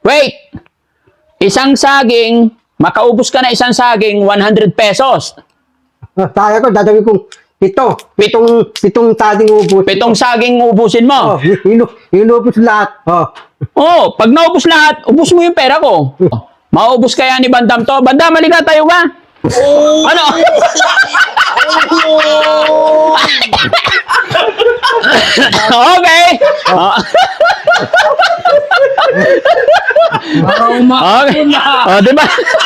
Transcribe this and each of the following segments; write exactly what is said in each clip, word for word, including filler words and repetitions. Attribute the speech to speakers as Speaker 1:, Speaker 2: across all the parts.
Speaker 1: Wait! Isang saging, makaubos ka na isang saging, one hundred pesos.
Speaker 2: Kaya ko, dadawin kong pito. Pitong, pitong saging ubus.
Speaker 1: Pitong saging ubusin mo.
Speaker 2: Oh, inu, inubos lahat. Oh.
Speaker 1: Oh, pag naubos lahat, ubos mo yung pera ko. Maubos kaya ni Bandam to? Bandam, halika tayo ba? Ano? Okay. Oh. Okay. Oh, di ba?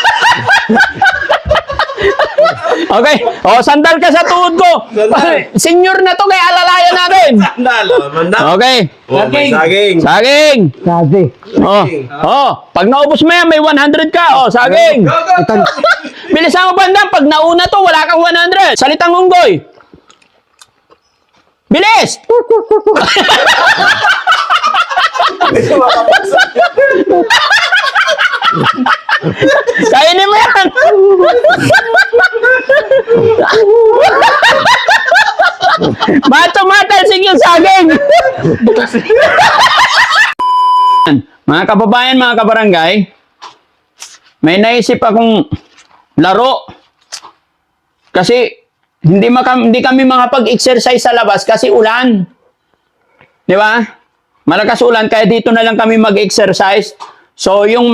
Speaker 1: Okay. Oh, sandal ka sa tuhod ko. Senior na to, kaya alalayan natin.
Speaker 3: Sandal, mandam.
Speaker 1: Okay.
Speaker 3: Oh, may saging.
Speaker 1: Saging.
Speaker 2: Saging.
Speaker 1: Oh. Oh, pag naubos mo yan, may one hundred ka. Oh, saging.
Speaker 2: Ito,
Speaker 1: Bilisan mo, Bandam. Pag nauna to, wala kang one hundred. Salitang unggoy. Bilis! Kainin mo yan! Mato-matalsik yung saging! Mga kababayan, mga kabarangay, may naisip akong laro. Kasi hindi, maka, hindi kami makapag-exercise sa labas kasi ulan. Di ba? Malakas ulan, kaya dito na lang kami mag-exercise. So, yung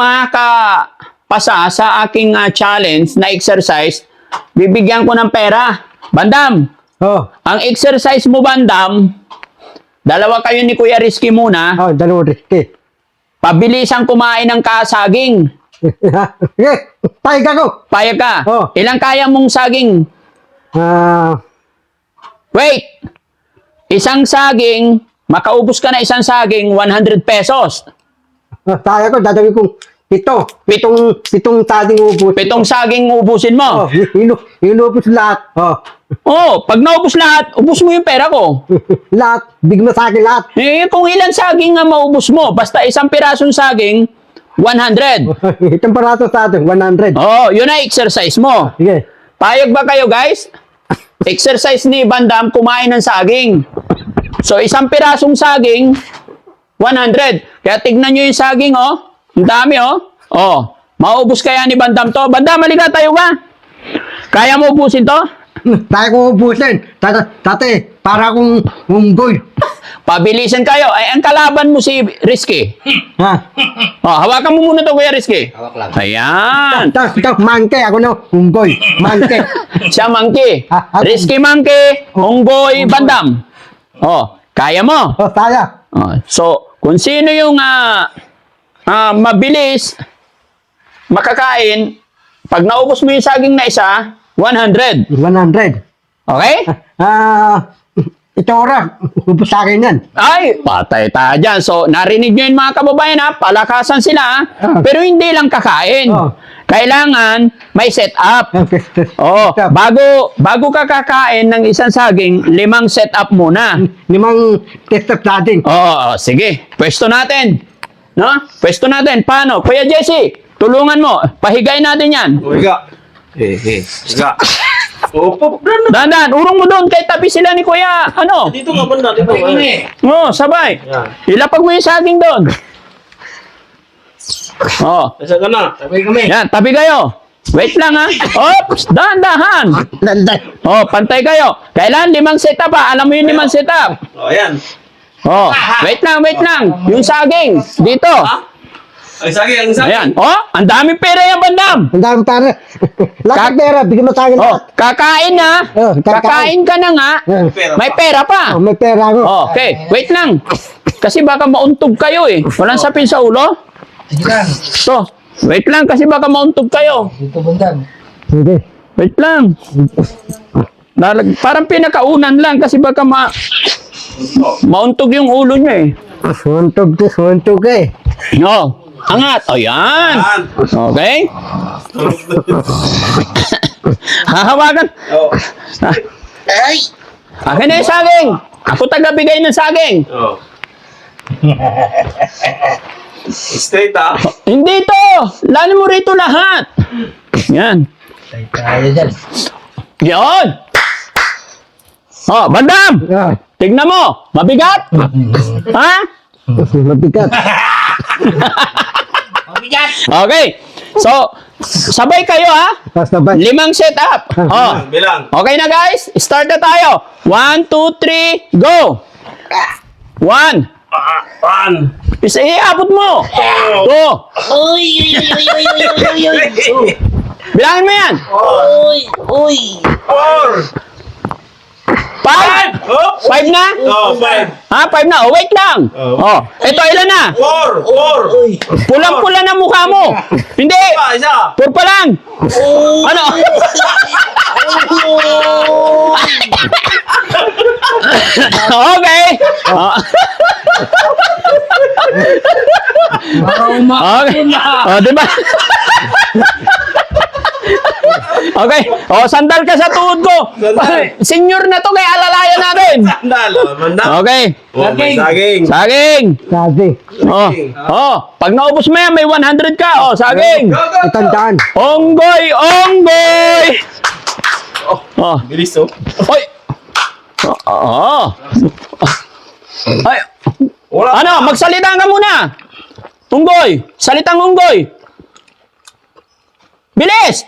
Speaker 1: makapasa sa aking uh, challenge na exercise, bibigyan ko ng pera. Bandam,
Speaker 2: oh.
Speaker 1: ang exercise mo, Bandam, dalawa kayo ni Kuya Rizky muna,
Speaker 2: Oh, dalawa riski.
Speaker 1: pabilisang kumain ng kasaging.
Speaker 2: Okay, payag ako.
Speaker 1: Payag ka.
Speaker 2: Oh.
Speaker 1: Ilang kaya mong saging?
Speaker 2: Ah,
Speaker 1: Wait! Isang saging, makaubos ka na isang saging, one hundred pesos.
Speaker 2: kaya ko, dadawin kong pito. Pitong, pitong saging ubus.
Speaker 1: Pitong saging ubusin mo.
Speaker 2: Oh, inu, inubos lahat. Oh.
Speaker 1: Oh, pag naubos lahat, ubos mo yung pera ko.
Speaker 2: Lahat, bigma sa akin lahat.
Speaker 1: Eh, kung ilan saging nga maubos mo, basta isang pirasong saging, one hundred.
Speaker 2: Itong parato sa atin, one hundred.
Speaker 1: Oh, yun na exercise mo.
Speaker 2: Sige.
Speaker 1: Payag ba kayo, guys? Exercise ni Bandam, kumain ng saging. So, isang pirasong saging, one hundred. Kaya tignan nyo yung saging, oh. Ang dami, oh. Oh, maubos kaya ni Bandam to? Bandam, halika tayo ba? Kaya mo ubusin to?
Speaker 2: Tayo ko ubusin. Tata, tate, para akong unggoy.
Speaker 1: Pabilisan kayo. Ay, ang kalaban mo si Rizky.
Speaker 2: Ha?
Speaker 1: Oh, hawakan mo muna to, Kuya Rizky.
Speaker 3: Hawak lang.
Speaker 1: Ayan.
Speaker 2: Tapos ito, mangke. Ako na, unggoy. Mangke.
Speaker 1: Siya monkey.
Speaker 2: Ah, ah,
Speaker 1: Rizky monkey. Unggoy Bandam. Oh, kaya mo.
Speaker 2: Oh, saya.
Speaker 1: Oh, so, kung sino yung ah, ah, mabilis makakain, pag naubos mo yung saging na isa, one hundred.
Speaker 2: one hundred.
Speaker 1: Okay?
Speaker 2: Ah, ito oras. Ubus sa akin yan.
Speaker 1: Ay, patay tayo dyan. So, narinig nyo yun mga kababayan ha, palakasan sila ha,
Speaker 2: Ah.
Speaker 1: pero hindi lang kakain.
Speaker 2: Oh.
Speaker 1: Kailangan may set up. Oh,
Speaker 2: Stop.
Speaker 1: bago bago ka kakain ng isang saging, limang set up muna.
Speaker 2: Limang test of saging.
Speaker 1: Oo, sige. Pwesto natin. No? Pwesto natin. Paano? Kuya Jesse, tulungan mo. Pahigay natin yan.
Speaker 3: Oh, higa. Eh, eh. Higa. Opo, brand.
Speaker 1: Dandan, urong mo doon kay tabi sila ni Kuya. Ano?
Speaker 3: Dito ka banda, dito.
Speaker 1: Oo, sabay.
Speaker 3: Yan.
Speaker 1: Ilapag mo yung saging doon. Oh.
Speaker 3: Nasa ka na. Sabay kami.
Speaker 1: Yan, tabi kayo. Wait lang ha. Oops, dahan-dahan.
Speaker 2: Landay.
Speaker 1: Oh, pantay kayo. Kailan limang setup ha? Alam mo yung limang setup.
Speaker 3: Oh, ayan.
Speaker 1: Oh, wait lang, wait lang. Yung saging, dito.
Speaker 3: Ay, saging, ang saging.
Speaker 1: Ayan. Oh, ang daming pera yan, Bandam.
Speaker 2: Ang dami para. Lahat ng pera, bigyan mo sa akin
Speaker 1: Oh,
Speaker 2: lahat.
Speaker 1: kakain na.
Speaker 2: Oh, kakain.
Speaker 1: Kakain ka na nga.
Speaker 2: Eh,
Speaker 3: Pera
Speaker 1: May
Speaker 3: pa.
Speaker 1: pera pa.
Speaker 2: oh, may pera ako.
Speaker 1: Oh, okay, wait lang. Kasi baka mauntog kayo eh. Walang sapin sa ulo.
Speaker 4: Sige lang.
Speaker 1: So, wait lang kasi baka mauntog kayo.
Speaker 4: Dito Bandam.
Speaker 2: Sige.
Speaker 1: Wait lang. Nalag, parang pinakaunan lang kasi baka ma mauntog yung ulo niya eh.
Speaker 2: Suntog to, suntog eh.
Speaker 1: No. Angat. Ayan.
Speaker 3: Yan.
Speaker 1: Okay. Hahawakan.
Speaker 3: Oh.
Speaker 1: Ay. Akin na yung saging. Ako taga-bigay ng saging.
Speaker 3: Oh. Straight ah.
Speaker 1: Hindi to. Lalo mo rito lahat. Yan.
Speaker 4: Tayo tayo dyan.
Speaker 1: Yan. Oh, Bandam.
Speaker 2: Ah,
Speaker 1: Tignan mo. Mabigat. Ha?
Speaker 2: mabigat.
Speaker 1: Okay. So, sabay kayo ha.
Speaker 2: Sabay.
Speaker 1: Limang setup. Oh.
Speaker 3: Bilang.
Speaker 1: Okay na guys, start na tayo. One, two, three, go! One.
Speaker 3: Ah, One.
Speaker 1: Isa, iabot mo. Two.
Speaker 5: Uy, uy, uy, uy, uy, uy, uy, uy, uy.
Speaker 1: Bilangin mo yan.
Speaker 5: Uy, uy.
Speaker 3: Four.
Speaker 1: Five.
Speaker 3: Oh.
Speaker 1: Five na?
Speaker 3: Oh, five.
Speaker 1: Ha? Five na? Oh, wait lang.
Speaker 3: Oh.
Speaker 1: Oh. Ito, ilan na?
Speaker 3: Four. Four.
Speaker 1: Pulang-pula na mukha mo. Hindi.
Speaker 3: Isa, isa.
Speaker 1: Four pa lang. Ano? Okay. Oh. Okay. Oh, di ba? Okay. Oh, sandal ka sa tuhod ko.
Speaker 3: Sandal.
Speaker 1: Senior na to, kaya alalayan natin.
Speaker 3: Sandal. Oh, manda.
Speaker 1: Okay.
Speaker 3: Oh, may saging.
Speaker 1: Saging.
Speaker 2: Sabi.
Speaker 1: Oh. Oh, pag naubos mo yan, may one hundred ka. Oh, saging.
Speaker 2: Itandaan.
Speaker 1: Onggoy, onggoy. Oh.
Speaker 3: Bilis, oh.
Speaker 1: Oy. Oh. Ay.
Speaker 3: Wala.
Speaker 1: Ano, magsalita ka muna. Unggoy, salitang unggoy. Bilis!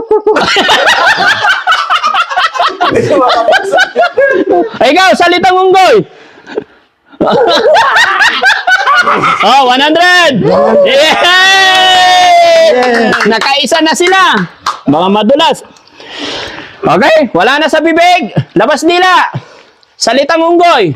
Speaker 1: Ay, ikaw, salitang unggoy. Oh, one hundred! Yay! Nakaisa na sila. Mga madulas. Okay, wala na sa bibig. Labas nila. Salitang unggoy.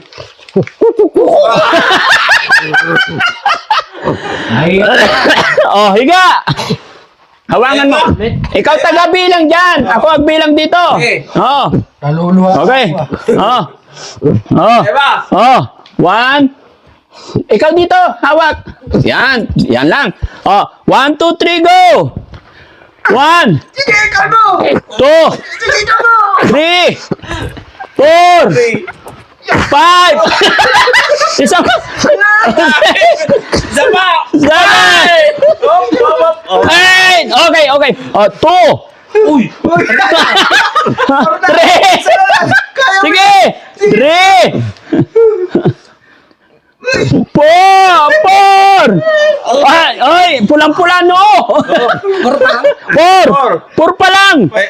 Speaker 1: Oh, higa. Hawangan mo. Ikaw taga-bilang dyan. Ako agbilang dito.
Speaker 3: Okay.
Speaker 1: Oh.
Speaker 4: Naluluha
Speaker 1: Okay. Oh. Oh.
Speaker 3: Diba?
Speaker 1: Oh. One. Ikaw dito. Hawak. Yan. Yan lang. Oh. One, two, three, go. One. Two. Three. Four. Five. Isang.
Speaker 3: Isa pa.
Speaker 1: Seven.
Speaker 3: Oh, oh, oh.
Speaker 1: Eight. Okay, okay. Oh, two.
Speaker 3: Uy.
Speaker 1: Three. Sige. Three. Four. Four. Ay, ay, pulang-pula no. Four.
Speaker 3: Four.
Speaker 1: Four pa lang.
Speaker 3: Ay,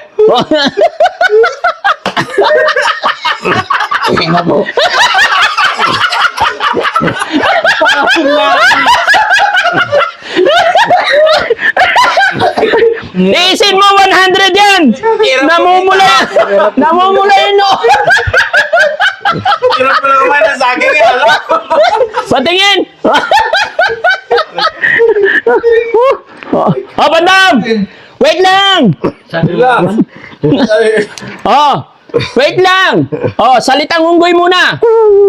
Speaker 1: Iisin mo one hundred yan. Namumula. Namumula yun no.
Speaker 3: hirap pa lang naman ang saging. eh, Alam.
Speaker 1: Patingin. Oh, bandam. Wait lang.
Speaker 3: Bilang.
Speaker 1: Oh, wait lang. Oh, salitang unggoy muna.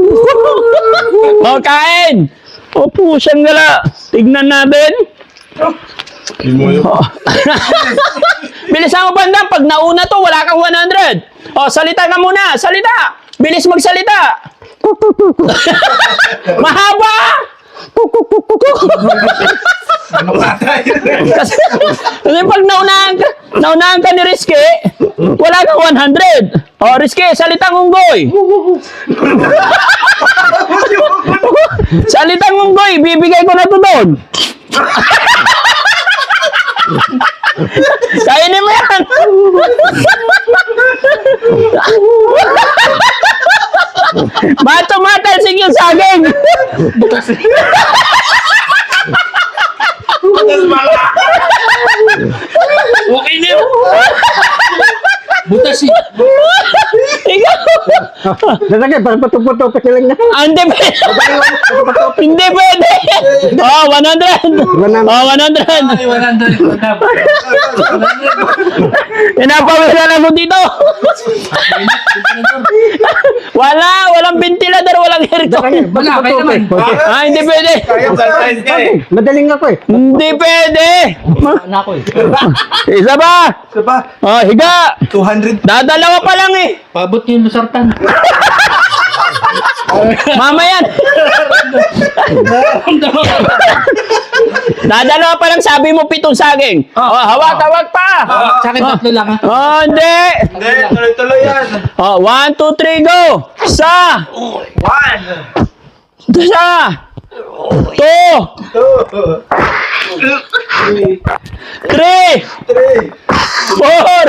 Speaker 1: Oh, kain. Oh, pusang gala. Tignan natin. Oh. Bilisan mo bandam. Pag nauna to, wala kang one hundred. Oh, salita ka muna. Salita. Bilis magsalita. Mahaba. Kasi, kasi pag naunahan ka, naunahan ka ni Rizky, wala kang one hundred. O, Rizky, salitang unggoy. Salitang unggoy, bibigay ko na to doon. Kainin mo yan. Mato-matalsik yung saging.
Speaker 3: Butas pala. Okay na yun.
Speaker 4: Butas eh.
Speaker 1: Ikaw.
Speaker 2: Lalagay, parang patok-patok pa sila na.
Speaker 1: Ah, hindi pwede. Hindi pwede. Oh, one hundred. Oh, one hundred.
Speaker 4: Ay, one hundred.
Speaker 1: Pinapawilan ako dito. Wala, walang ventilador, walang aircon.
Speaker 4: Wala, kayo naman.
Speaker 1: Ah, hindi pwede.
Speaker 3: Kaya surprise ka eh.
Speaker 2: Madaling ako eh.
Speaker 1: Hindi pwede.
Speaker 4: Anak ko eh.
Speaker 1: Isa ba?
Speaker 3: Isa pa.
Speaker 1: Oh, higa.
Speaker 3: two hundred.
Speaker 1: Dadalawa pa lang eh.
Speaker 4: Pabot yung lusartan.
Speaker 1: Mamaya. Dadalawa pa lang, sabi mo pitong saging. Oh, hawak, hawak pa.
Speaker 4: Sa akin tatlo lang ha.
Speaker 1: Oh, hindi.
Speaker 3: Hindi, tuloy-tuloy yan.
Speaker 1: Oh, one, two, three, go. Isa.
Speaker 3: One.
Speaker 1: Isa. Two. Three. Four.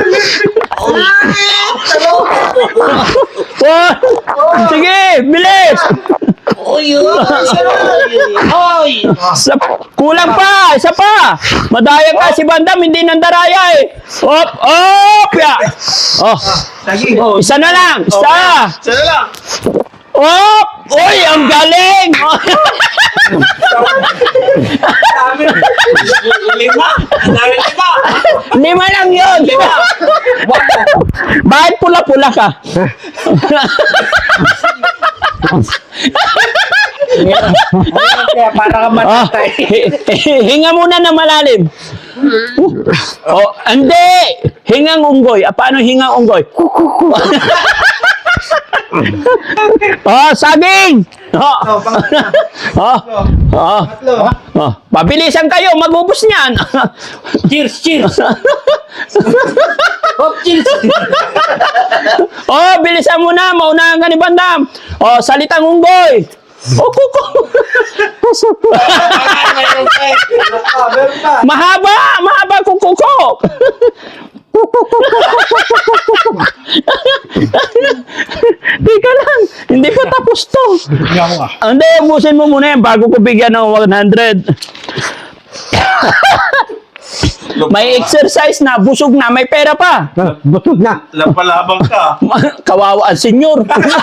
Speaker 1: One. Sige, bilis.
Speaker 5: Uy, uy, uy.
Speaker 1: Sa, kulang pa, isa pa. Madaya ka si Bandam, hindi nandaraya eh. Op, op, ya. Oh,
Speaker 3: Oh,
Speaker 1: isa na lang, isa.
Speaker 3: Sana lang.
Speaker 1: Op, uy, ang galing.
Speaker 3: Dami. Lima. Dami lima.
Speaker 1: Lima lang yun. Bakit pula-pula ka?
Speaker 4: Kaya para ka
Speaker 1: Oh,
Speaker 4: matatay.
Speaker 1: hi- hi- hinga muna na malalim. Oh, hindi. Hingang unggoy. Ah, paano hingang unggoy? Oh, saging. Oh. Oh. Oh. Oh. Pabilisan kayo, magubos niyan.
Speaker 4: Cheers, cheers. Hop, cheers.
Speaker 1: Oh, bilisan mo na, maunahan ka ni Bandam. Oh, salitang unggoy. Oh, kuko. Mahaba, mahaba kukuko. Teka lang, hindi pa tapos to. Hindi, ubusin mo muna yan bago ko bigyan ng one hundred. May exercise na, busog na, may pera pa.
Speaker 2: Ah, Butog na.
Speaker 3: Lapalabang ka.
Speaker 1: Kawawa ang senyor.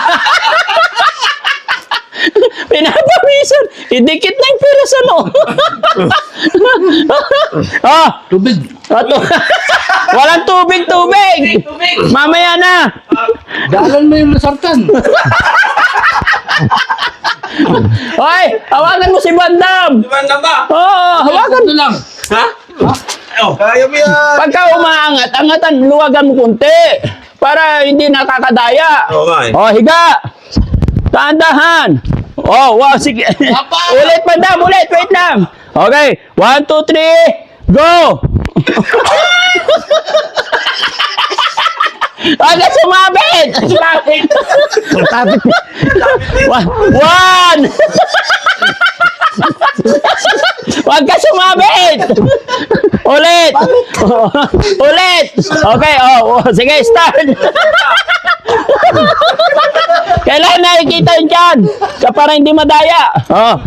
Speaker 1: Pinapawisan. Idikit na yung pera sa no. Ah,
Speaker 4: Tubig.
Speaker 1: ato. Walang tubig, tubig. Mamaya na.
Speaker 4: Dalan mo yung lasartan.
Speaker 1: Hoy, hawakan mo si Bandam.
Speaker 3: Di ba na ba?
Speaker 1: Oo, hawakan.
Speaker 4: Ito lang.
Speaker 3: Ha? Oh, kaya mo yan.
Speaker 1: Pagka umaangat, angatan, luwagan mo kunti. Para hindi nakakadaya.
Speaker 3: Oo nga eh.
Speaker 1: Oh, higa. Tahan-tahan. Oh, wow, sige. Ulit, Bandam, ulit. Wait lang. Okay. One, two, three. Go! Agad sumabit! Sumabit!
Speaker 2: Sabit.
Speaker 1: One! One! Huwag ka sumabit! Ulit! Ulit! Okay, oh, oh, sige, start! Kailangan nakikita yun dyan! Ka para hindi madaya! Oh.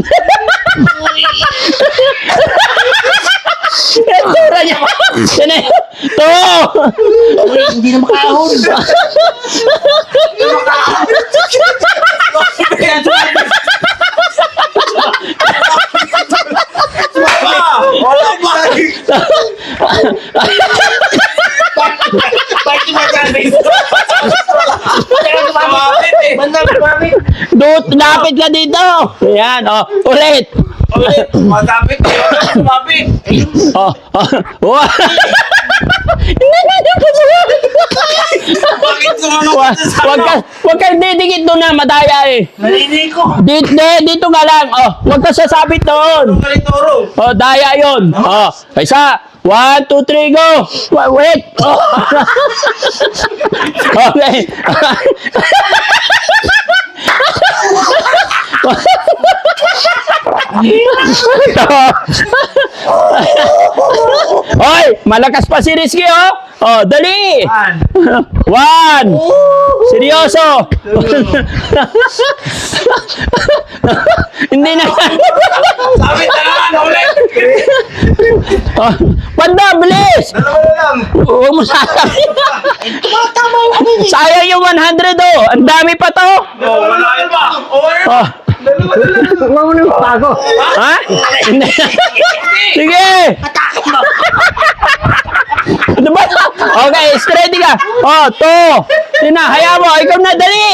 Speaker 1: Ang tura niya! Sino yun? To!
Speaker 4: Uy, hindi na makahon.
Speaker 3: Wala ba?
Speaker 4: Bakit magaling?
Speaker 3: Sumabit eh.
Speaker 4: Bandang kumamit.
Speaker 1: Dut, lapit ka dito! Ayan, oh, ulit!
Speaker 3: Ulit. Masabit eh. Wala sumabit.
Speaker 1: Oh, oh, oh. Hindi na dito sumabit!
Speaker 3: Bakit sumunod
Speaker 1: Wag
Speaker 3: ka sa
Speaker 1: wag ka, wag ka didikit doon na, madaya eh.
Speaker 4: Narinig ko.
Speaker 1: Dito, dito ka lang, oh, wag ka sasabit doon.
Speaker 3: Kalitoro.
Speaker 1: Oh, daya yun. Oh, isa, one, two, three, go. Wa- Wait. Oh. Okay. Hoy, malakas pa si Rizky, oh. Oh, dali. One. Seryoso. Hindi na.
Speaker 3: Sabit na naman. Ulit.
Speaker 1: Oh, Panda, bilis.
Speaker 3: Dalawa na lang.
Speaker 1: Huwag mo sasabi. Sayang yung one hundred, oh. Ang dami pa to.
Speaker 3: Oh, wala yun ba? Over.
Speaker 1: Oh.
Speaker 2: Huwag mo nang pago.
Speaker 1: Ha? Hindi. Sige. Diba? Okay, steady ka. Oh, to. Yun na, hayaan mo. Ikaw na, dali.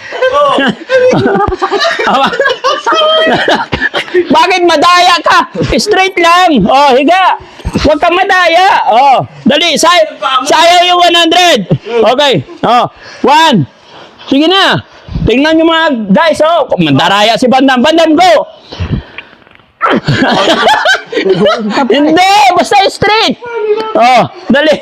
Speaker 1: Bakit madaya ka? Straight lang. Oh, higa. Huwag kang madaya. Oh, dali. Say sayang yung one hundred. Okay. Oh, one. Sige na. Tingnan nyo mga guys. Oh, mandaraya si Bandam. Bandam, go. Hindi, basta straight. Oh, dali.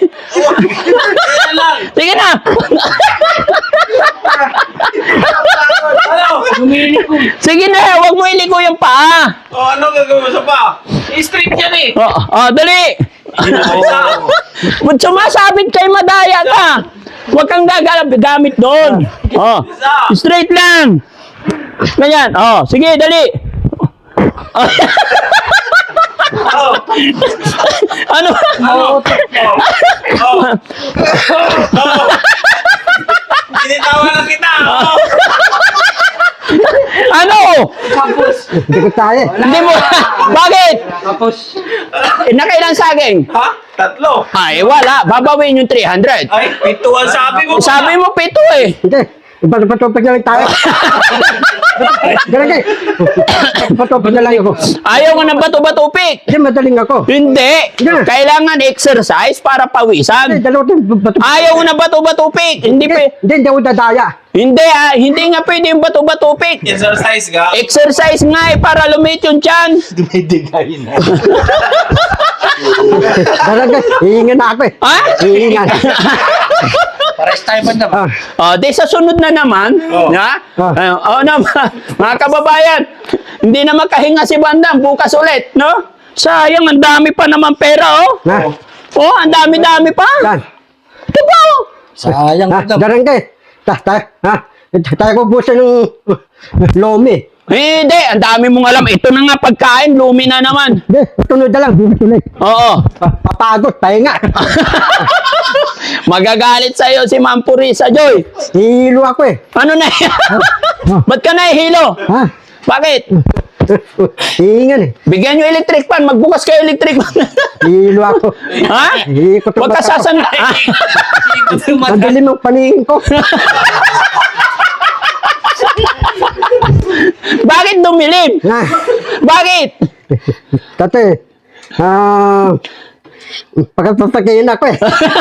Speaker 1: Sige na.
Speaker 3: Ano?
Speaker 1: Sige na, huwag mo iliko yung paa.
Speaker 3: Oh, ano gagawin mo sa pa?
Speaker 4: Street yan eh.
Speaker 1: Oh, oh dali.
Speaker 3: Isa.
Speaker 1: Ba't sumasabit kay madaya ka? Huwag kang gagalap gamit doon. Oh, straight lang. Ganyan. Oh, sige, dali. Oh.
Speaker 3: Oh,
Speaker 1: Ano?
Speaker 3: oh, oh, oh, oh. Binitawan na kita. Oh.
Speaker 1: Ano?
Speaker 2: Hindi ko tayo.
Speaker 1: Hindi mo. Bakit?
Speaker 5: Tapos,
Speaker 1: Eh, nakailan saging?
Speaker 3: Ha? Tatlo.
Speaker 1: Ay, wala. Babawin yung three hundred.
Speaker 3: Ay, pito ang sabi mo.
Speaker 1: Sabi mo pito eh.
Speaker 2: Hindi. Ipatupag na lang tayo. Ganun kayo. Ipatupag na lang ako.
Speaker 1: Ayaw ko ng bato-batupik.
Speaker 2: Hindi, madaling ako.
Speaker 1: Hindi.
Speaker 2: Yeah.
Speaker 1: Kailangan exercise para
Speaker 2: Hindi,
Speaker 1: pawisan.
Speaker 2: dalawa tayo. Bato-
Speaker 1: Ayaw ko ng bato-batupik. Hindi
Speaker 2: Hindi,
Speaker 1: pa.
Speaker 2: hindi, hindi ako dadaya.
Speaker 1: Hindi ah. Hindi nga pwede yung bato-batupik.
Speaker 3: Exercise ka.
Speaker 1: Exercise nga eh para lumit yung tiyan.
Speaker 2: Ganun kayo. Hihingan na ako eh.
Speaker 1: Ha?
Speaker 2: Hihingan.
Speaker 5: pares tayo ba naman?
Speaker 2: Ah,
Speaker 1: Oh, di sa sunod na naman,
Speaker 3: Oh.
Speaker 1: ha?
Speaker 2: Oh.
Speaker 1: Uh, oh, na, mga kababayan, hindi na makahinga si Bandam, bukas ulit, no? Sayang, ang dami pa naman pera, oh.
Speaker 2: na.
Speaker 1: Oh, ang dami-dami pa.
Speaker 2: Yan.
Speaker 1: Ito ba, oh?
Speaker 5: Sayang
Speaker 2: Ha,
Speaker 5: Bandam.
Speaker 2: ganun kayo. Ta, ta, ha? Tayo ko busan ng lomi.
Speaker 1: Eh, Hindi, ang dami mong alam. Ito na nga pagkain, lumi na naman.
Speaker 2: Hindi, tunod na lang. Bukas ulit.
Speaker 1: Oo.
Speaker 2: Pa- Papagod, pahinga.
Speaker 1: Magagalit sa'yo si Ma'am Purisa, Joy.
Speaker 2: Hihilo ako eh.
Speaker 1: Ano na yan? Ba't ka nahihilo?
Speaker 2: Ha?
Speaker 1: Bakit?
Speaker 2: Hihingan eh.
Speaker 1: Bigyan nyo electric fan, magbukas kayo electric fan.
Speaker 2: Hihilo ako.
Speaker 1: ha?
Speaker 2: Hihikot ang
Speaker 1: Huwag ka
Speaker 2: mata ko.
Speaker 1: sasan... Ah.
Speaker 2: Madalim ang paningin ko.
Speaker 1: Bakit dumilim?
Speaker 2: Ha?
Speaker 1: Bakit?
Speaker 2: Tate, ah, pagkapapagayin ako eh.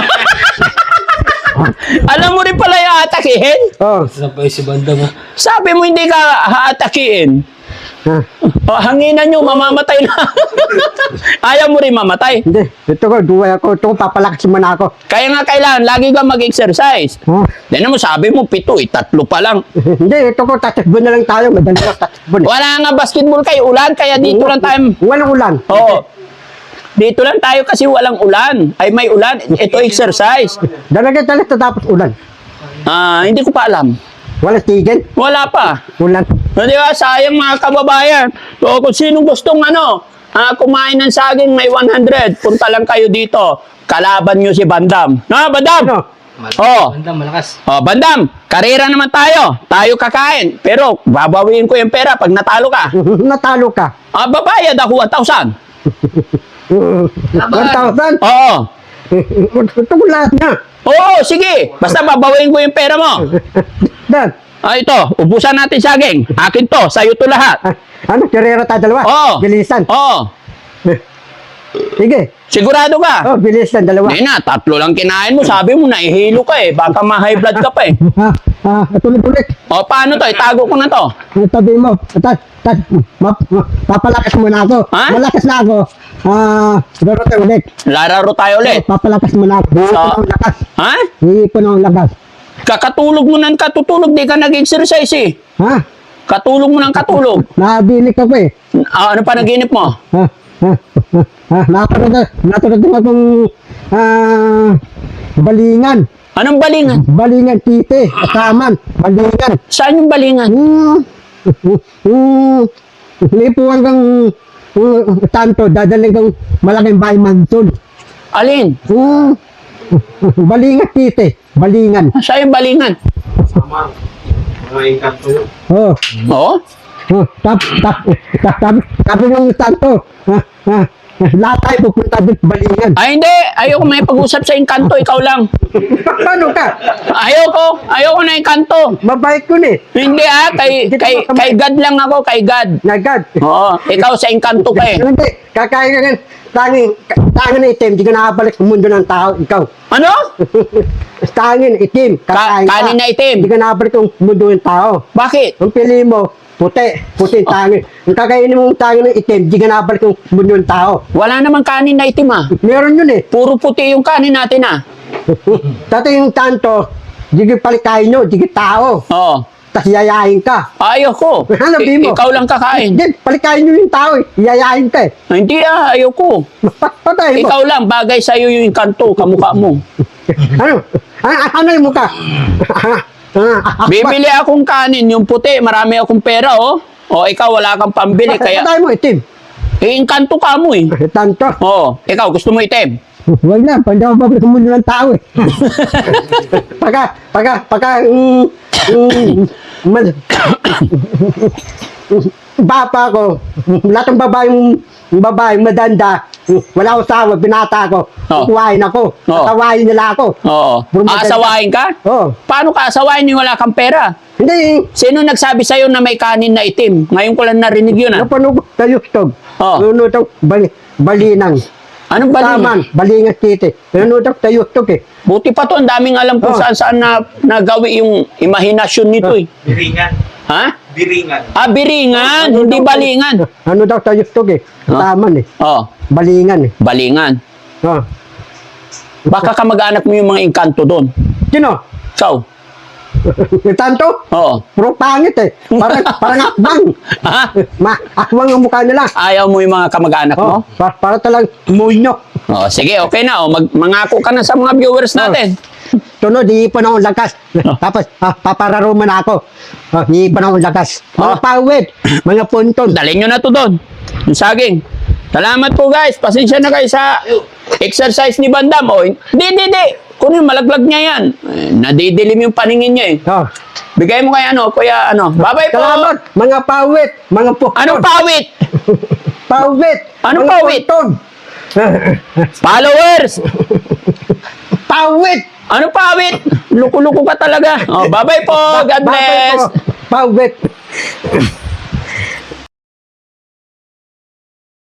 Speaker 1: Alam mo rin pala yung atakihin?
Speaker 2: Oh,
Speaker 5: Sabay si Bandam ha.
Speaker 1: Sabi mo hindi ka haatakiin.
Speaker 2: ha?
Speaker 1: O, hanginan nyo, mamamatay na. Ayaw mo rin mamatay.
Speaker 2: Hindi, ito ko, duway ako. Ito ko, papalakas mo na ako.
Speaker 1: Kaya nga kailangan, lagi ka mag-exercise.
Speaker 2: Ha?
Speaker 1: Dahil mo, sabi mo, pito eh, tatlo pa lang.
Speaker 2: Hindi, ito ko, tatakbo na lang tayo. Madali ko, tatakbo na.
Speaker 1: Wala nga basketball kayo, ulan, kaya dito lang tayo.
Speaker 2: Walang ulan.
Speaker 1: Oo. Dito lang tayo kasi walang ulan. Ay, may ulan. Ito exercise.
Speaker 2: Dalaga talaga tapos ulan.
Speaker 1: Ah, hindi ko pa alam.
Speaker 2: Walang tigil.
Speaker 1: Wala pa.
Speaker 2: Ulan.
Speaker 1: No, di ba? Sayang mga kababayan. So, kung sinong gustong ano, ah, kumain ng saging may one hundred, punta lang kayo dito. Kalaban nyo si Bandam. No, Bandam?
Speaker 2: Ano?
Speaker 1: Oh.
Speaker 5: Bandam, malakas.
Speaker 1: Oh, Bandam, karera naman tayo. Tayo kakain. Pero, babawiin ko yung pera pag natalo ka.
Speaker 2: Natalo ka.
Speaker 1: Ah, babayad ako one thousand.
Speaker 2: one thousand?
Speaker 1: Oo.
Speaker 2: Ito ko lahat na.
Speaker 1: Oo, sige. Basta babawiin ko yung pera mo.
Speaker 2: Dan.
Speaker 1: Ah, ito. Ubusan natin saging. Akin to. Sa'yo to lahat.
Speaker 2: Ah, ano, karera tayo dalawa?
Speaker 1: Oo.
Speaker 2: Bilisan.
Speaker 1: Oo.
Speaker 2: Sige.
Speaker 1: Sigurado ka?
Speaker 2: Oh, bilisan, dalawa.
Speaker 1: Hindi na, tatlo lang kinain mo. Sabi mo, naihilo ka eh. Baka ma-high blood ka pa eh.
Speaker 2: Ha, ah, tuloy ulit.
Speaker 1: O, paano to? Itago ko na to.
Speaker 2: Ano tabi mo? Tat, tat, ma, ma, papalakas mo na ako.
Speaker 1: Ha?
Speaker 2: Malakas na ako. Ah, laro tayo ulit.
Speaker 1: Lararo tayo ulit.
Speaker 2: Papalakas mo na ako. Hihi
Speaker 1: Sa-
Speaker 2: ko ng lakas.
Speaker 1: Ha?
Speaker 2: Hihi ko ng lakas.
Speaker 1: Kakatulog mo ng katutulog. Di ka nag-exercise eh.
Speaker 2: Ha?
Speaker 1: Katulog mo ng katulog.
Speaker 2: Nabilik ako eh.
Speaker 1: Ah, ano pa naginip mo?
Speaker 2: Ha? Ha? Ha? Ha? Natunod na, natunod na akong ah, balingan.
Speaker 1: Anong balingan?
Speaker 2: Balingan, tite, kasaman, balingan.
Speaker 1: Saan yung balingan?
Speaker 2: Hmm. Hmm. Lipuan kang uh, tanto, dadaling kang malaking bahay mansion.
Speaker 1: Alin?
Speaker 2: Hmm. Balingan, tite, balingan.
Speaker 1: Saan yung balingan?
Speaker 3: Sama. Mga engkanto yun.
Speaker 2: Oh.
Speaker 1: Oo?
Speaker 2: Oh, tap, tap, tap, tap, sabi ng tanto, ha, ha, lahat tayo pupunta doon, balingan.
Speaker 1: Ay, hindi. Ayoko may pag-usap sa Encanto. Ikaw lang.
Speaker 2: Paano ka?
Speaker 1: Ayoko. Ayoko na Encanto.
Speaker 2: Mabait ko eh.
Speaker 1: Hindi ah. Kay, kay, kay God lang ako. Kay God.
Speaker 2: Nagad.
Speaker 1: Oo. Ikaw sa Encanto ka eh.
Speaker 2: Hindi, kakain ka nga, tanging, tanging na itim, di ka nakabalik sa mundo ng tao, ikaw.
Speaker 1: Ano?
Speaker 2: Tanging itim,
Speaker 1: Ka
Speaker 2: kakain ka.
Speaker 1: kanin na itim.
Speaker 2: Di ka nakabalik sa mundo ng tao.
Speaker 1: Bakit?
Speaker 2: Ang pili mo, puti, puti tanging. Ang kakainin mong tanging ng itim, di ka nakabalik sa mundo ng tao.
Speaker 1: Wala namang kanin na itim ah.
Speaker 2: Meron yun eh.
Speaker 1: Puro puti yung kanin natin ah.
Speaker 2: Dati yung tanto, di ka palikain nyo, di ka tao.
Speaker 1: Oo.
Speaker 2: tas yayain ka.
Speaker 1: Ayoko.
Speaker 2: Hanapin mo.
Speaker 1: I- ikaw lang kakain.
Speaker 2: Hindi, palikayin nyo yung tao eh. Yayain ka eh.
Speaker 1: Ah, Hindi ah, ayoko.
Speaker 2: Pat- Patay mo.
Speaker 1: Ikaw lang, bagay sa'yo yung kanto, kamukha mo.
Speaker 2: Ano? Ah, ano yung mukha? Ah, ah, ah,
Speaker 1: Bibili akong kanin, yung puti, marami akong pera, oh. O, ikaw, wala kang pambili,
Speaker 2: Patay
Speaker 1: kaya,
Speaker 2: patay mo itim.
Speaker 1: eh, inkanto ka mo, eh.
Speaker 2: Tanto.
Speaker 1: Oo, ikaw, gusto mo itim?
Speaker 2: Huwag na, pag ako babalik mo ng tao eh. pagka, pagka, pagka, mm, mm, man, bapa ko, lahat ng babaeng, babaeng madanda, wala akong sawa, binata ko,
Speaker 1: Oh.
Speaker 2: kukuhain ako,
Speaker 1: Oh.
Speaker 2: tawain nila ako.
Speaker 1: Oo.
Speaker 2: Puro maganda.
Speaker 1: Aasawain ka?
Speaker 2: Oh.
Speaker 1: Paano ka asawain yung wala kang pera?
Speaker 2: Hindi,
Speaker 1: Sino nagsabi sa'yo na may kanin na itim? Ngayon ko lang narinig yun, ah.
Speaker 2: napanood ko sa YouTube.
Speaker 1: Oh.
Speaker 2: Nanonood ako, bali, balinang.
Speaker 1: Anong bali?
Speaker 2: Taman, balingan titi. Nanonood ako sa YouTube eh.
Speaker 1: Buti pa to, ang daming alam kung
Speaker 2: Oh.
Speaker 1: saan-saan na nagawi yung imahinasyon nito, eh.
Speaker 4: Biringan.
Speaker 1: Ha?
Speaker 4: Biringan.
Speaker 1: Ah, biringan, hindi balingan.
Speaker 2: Ano daw sa YouTube eh.
Speaker 1: Oh.
Speaker 2: Taman eh.
Speaker 1: Oh,
Speaker 2: Balingan eh.
Speaker 1: balingan.
Speaker 2: Oh.
Speaker 1: Baka kamag-anak mo yung mga engkanto doon.
Speaker 2: Sino?
Speaker 1: Ikaw.
Speaker 2: Tanto?
Speaker 1: Oo.
Speaker 2: Puro pangit eh. Parang, parang akbang.
Speaker 1: Ha?
Speaker 2: Ma, akbang ang mukha nila.
Speaker 1: Ayaw mo yung mga kamag-anak mo?
Speaker 2: Oh, para, para talang munyo.
Speaker 1: Oh, sige, okay na. Oh, mag mangako ka na sa mga viewers natin.
Speaker 2: Tunod, iipon akong lakas.
Speaker 1: Oh.
Speaker 2: Tapos, ah, papararo man ako. Ah, iipon akong lakas. Mga
Speaker 1: Oh.
Speaker 2: pawid, mga punton.
Speaker 1: Dalhin nyo na to doon. Yung saging. Salamat po guys. Pasensya na kayo sa exercise ni Bandam. Oh, hindi, hindi, hindi. Kunin, malaglag niya yan. Eh, nadidilim yung paningin niya eh.
Speaker 2: Oh.
Speaker 1: Bigay mo kay ano, kuya ano. Bye-bye po.
Speaker 2: Salamat, mga pawid, mga punton.
Speaker 1: Anong pawit?
Speaker 2: Pawid.
Speaker 1: Anong
Speaker 2: mga
Speaker 1: pawid?
Speaker 2: punton.
Speaker 1: Followers!
Speaker 2: Pawid.
Speaker 1: Anong pawit? Luko-luko ka talaga. Oh, bye-bye po. God
Speaker 2: Ba- babay
Speaker 1: bless.
Speaker 2: po. Pawid.